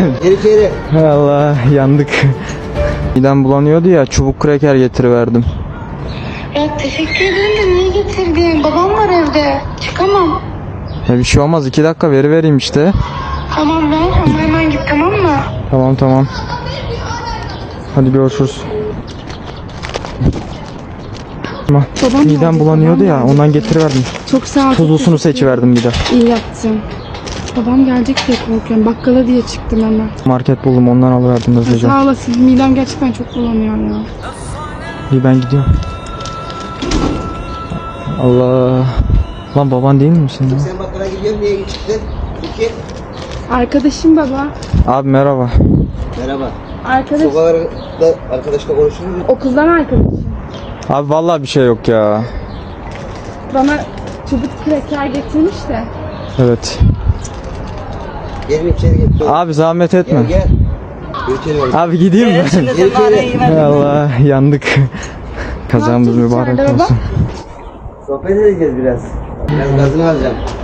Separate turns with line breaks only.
Geri.
Allah yandık. Midem bulanıyordu ya, çubuk kraker getiriverdim.
Ya teşekkür ederim de niye getirdin? Babam var evde. Çıkamam.
Ya bir şey olmaz, 2 dakika vereyim işte.
Tamam ver ama hemen git, tamam mı?
Tamam. Hadi görüşürüz.
Babam
Midem
geldi,
bulanıyordu
babam
ya,
geldi.
ondan getiriverdim.
Çok sağ ol.
Tuzlusunu seçiverdim bir de.
İyi yaptın. Babam gelecek diye korkuyorum. Bakkala diye çıktım hemen.
Market buldum, ondan alıverdim hızlıca.
Sağ olasın. Midem gerçekten çok bulanıyor ya.
İyi, ben gidiyorum. Allah. Lan baban değil misin ya?
Sen bakkala gidiyorsun, niye çıktın? İki.
Arkadaşım baba.
Abi merhaba.
Merhaba.
Arkadaş.
Sokakta arkadaşla konuşur musun?
Okuldan arkadaşım.
Abi vallahi bir şey yok ya.
Bana çubuk kraker getirmiş de.
Evet.
Gelin içeri gel.
Abi zahmet etme.
Gel. Götürüyorum.
Abi gideyim mi?
Geri.
Allah yandık. Kazamız
Ne yapacağız
mübarek
içeride baba?
olsun.
Sohbet edeceğiz biraz. Biraz gazını alacağım.